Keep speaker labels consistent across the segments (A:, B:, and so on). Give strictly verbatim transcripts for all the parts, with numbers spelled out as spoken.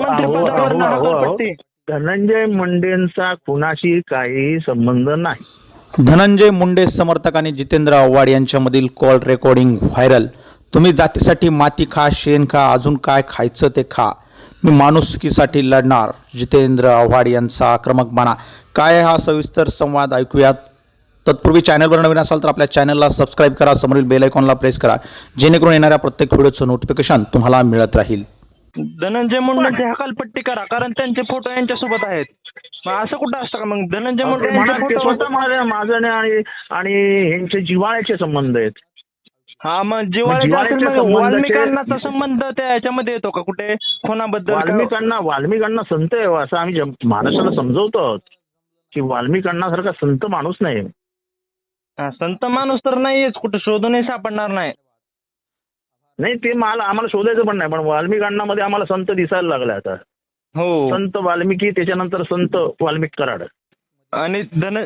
A: मंत्रिपदावर हकालपट्टी.
B: धनंजय मुंडेंचा कुणाशी काही संबंध नाही.
C: धनंजय मुंडे समर्थक आणि जितेंद्र आव्हाड यांच्यामधील कॉल रेकॉर्डिंग व्हायरल. तुम्ही जातीसाठी माती खा, शेण खा, अजून काय खायचं ते खा, मी माणुसकीसाठी लढणार. जितेंद्र आव्हाड यांचा आक्रमक बाणा. काय हा सविस्तर संवाद ऐकूयात. तत्पूर्वी चॅनलवर नवीन असाल तर आपल्या चॅनलला सबस्क्राईब करा, समोरील बेल आयकॉनला प्रेस करा, जेणेकरून येणाऱ्या प्रत्येक व्हिडिओचं नोटिफिकेशन तुम्हाला मिळत राहील.
A: धनंजय मुंडेंची हकालपट्टी करा, कारण त्यांचे फोटो यांच्यासोबत आहेत. मग असं कुठं असतं का? मग धनंजय मुंडे
B: ते स्वतः म्हणाले माझं आणि आणि यांचे जिव्हाळ्याचे संबंध आहेत.
A: हा, मग जिव्हाळ्याचा वाल्मिकांनाचा संबंध त्या याच्यामध्ये येतो का कुठे कोणाबद्दल?
B: वाल्मिकांना वाल्मिकांना संत आहे असं आम्ही महाराष्ट्राला समजवतो आहोत की वाल्मिकांना संत माणूस नाही.
A: संत माणूस तर नाहीच, कुठे शोधूनही सापडणार नाही.
B: नाही, ते मला आम्हाला शोधायचं पण नाही, पण वाल्मिकांना मध्ये आम्हाला संत दिसायला लागला आता.
A: हो,
B: संत वाल्मिकी, त्याच्यानंतर संत वाल्मिक कराड
A: आणि धन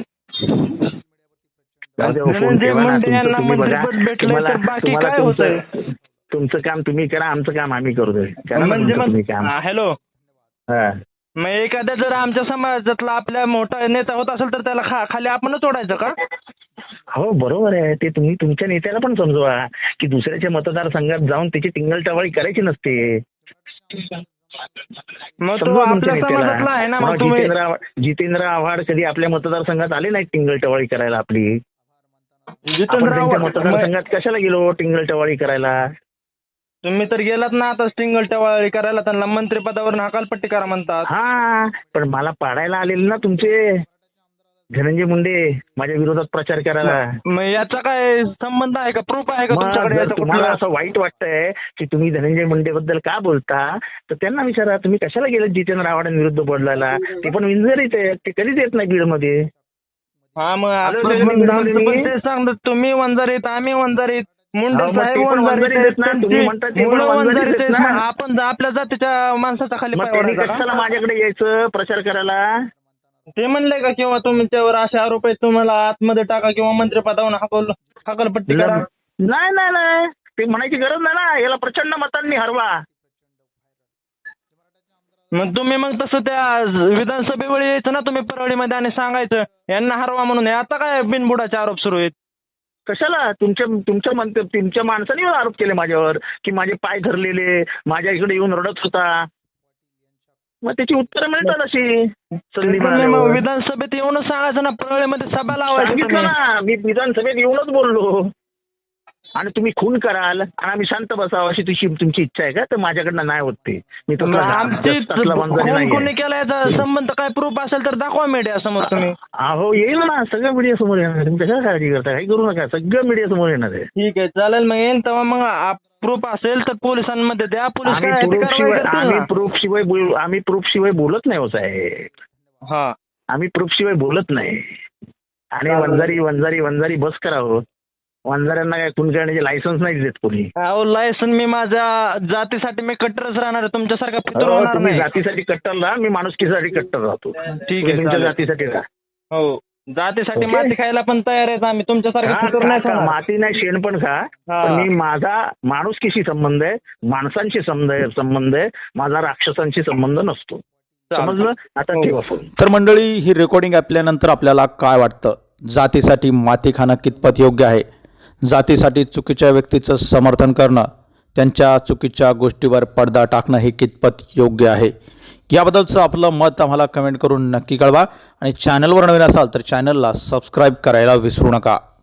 A: धनंजय मुंडे यांना मंत्रिपद भेटलं तर बाकी काय होतंय?
B: तुमचं काम तुम्ही करा, आमचं काम आम्ही करतोय.
A: म्हणजे हॅलो, मग एखाद्या जर आमच्या समाजातला आपल्या मोठा नेता होत असेल तर त्याला खा खाली आपणच ओढायचं का?
B: हो, बरोबर आहे. ते तुम्ही तुमच्या नेत्याला पण समजवा की दुसऱ्याच्या मतदारसंघात जाऊन त्याची टिंगलटवाळी करायची नसते.
A: मग तो आपल्या समाजातला आहे ना. मग तुम्ही
B: जितेंद्र जितेंद्र आव्हाड कधी आपल्या मतदारसंघात आले नाही टिंगलटवाळी करायला आपली.
A: जितेंद्र आव्हाड
B: मतदारसंघात कशाला गेलो टिंगलटवाळी करायला?
A: तुम्ही तर गेलात ना आता टिंगलटवाळी करायला. त्यांना मंत्रिपदावर हकालपट्टी करा म्हणतात.
B: हा, पण मला पाडायला आलेले ना तुमचे धनंजय मुंडे माझ्या विरोधात प्रचार करायला.
A: मग याचा काय संबंध आहे का? प्रूफ आहे का तुमच्याकडे?
B: तुम्हाला असं वाईट वाटतंय की तुम्ही धनंजय मुंडे बद्दल का बोलता, तर त्यांना विचारा तुम्ही कशाला गेलात जितेंद्र आव्हाडांविरुद्ध बोलायला. ते पण विंजरीत आहे, ते कधीच येत नाही बीड मध्ये.
A: हा, मग ते सांगतात तुम्ही वंजारीत, आम्ही वंजारीत, मुंडे साहेब वंजारीत, आपण आपल्या जातीच्या माणसाचा खाली
B: कशाला माझ्याकडे यायचं प्रचार करायला?
A: ते म्हणले का किंवा तुमच्यावर असे आरोप आहेत, तुम्हाला आतमध्ये टाका किंवा मंत्रिपदावर हकल हकालपट्टी करा?
B: नाही नाही नाही, ते म्हणायची गरज नाही ना. याला प्रचंड मतांनी हरवा.
A: मग तुम्ही मग तसं त्या विधानसभेवर यायचं ना तुम्ही परळीमध्ये आणि सांगायचं यांना हरवा म्हणून. आता काय बिनबुडाचे आरोप सुरू आहेत?
B: कशाला? तुमच्या तुमच्या मंत्री तुमच्या माणसाने आरोप केले माझ्यावर की माझे पाय धरलेले, माझ्या इकडे येऊन रडत होता. मग त्याची उत्तरं मिळतात अशी.
A: विधानसभेत येऊनच सांगायचं ना, परळीमध्ये सभा लावायची
B: ना. मी विधानसभेत येऊनच बोललो. आणि तुम्ही खून कराल आणि आम्ही शांत बसावं अशी तुझी तुमची इच्छा आहे का? तर माझ्याकडनं नाही होत ते. मी
A: कोणी केला याचा संबंध काय प्रूफ असेल तर दाखवा मीडिया समोर तुम्ही.
B: अहो, येईल ना, सगळं मीडिया समोर येणार. तुम्ही कशाला काळजी करता? काही करू नका, सगळं मीडिया समोर येणार आहे.
A: ठीक आहे, चालेल. मग येईल तेव्हा मग प्रूफ असेल तर पोलिसांमध्ये द्या. पोलीस
B: आम्ही प्रूफ शिवाय आम्ही प्रूफ शिवाय बोलत नाही हो साहेब.
A: हा,
B: आम्ही प्रूफ शिवाय बोलत नाही. आणि वंजारी वंजारी वंजारी बस करा हो. वंजाऱ्यांना काय खून करण्याचे लायसन्स नाही देत कोणी.
A: अहो, लायसन्स मी माझ्या जातीसाठी मी कट्टरच राहणार आहे, तुमच्यासारखा फितूर होणार
B: तुम्ही
A: नाही.
B: जातीसाठी कट्टर राहा, मी माणुसकीसाठी कट्टर राहतो.
A: ठीक आहे,
B: तुमच्या जातीसाठी राहा.
A: हो, जातीसाठी माती खायला पण तयार आहेत आम्ही, तुमच्यासारखं फितूर नाही.
B: माती नाही, शेण पण खा. मी माझा माणुसकीशी संबंध आहे, माणसांशी संबंध आहे, माझा राक्षसांशी संबंध नसतो. समजलं? आता ठेवा फोन.
C: तर मंडळी, ही रेकॉर्डिंग ऐकल्यानंतर आपल्याला काय वाटतं? जातीसाठी माती खाणं कितपत योग्य आहे? जातीसाठी चुकीच्या व्यक्तीचं समर्थन करणं, त्यांच्या चुकीच्या गोष्टीवर पडदा टाकणं हे कितपत योग्य आहे? याबद्दलचं आपलं मत आम्हाला कमेंट करून नक्की कळवा. आणि चॅनलवर नवीन असाल तर चॅनलला सबस्क्राईब करायला विसरू नका.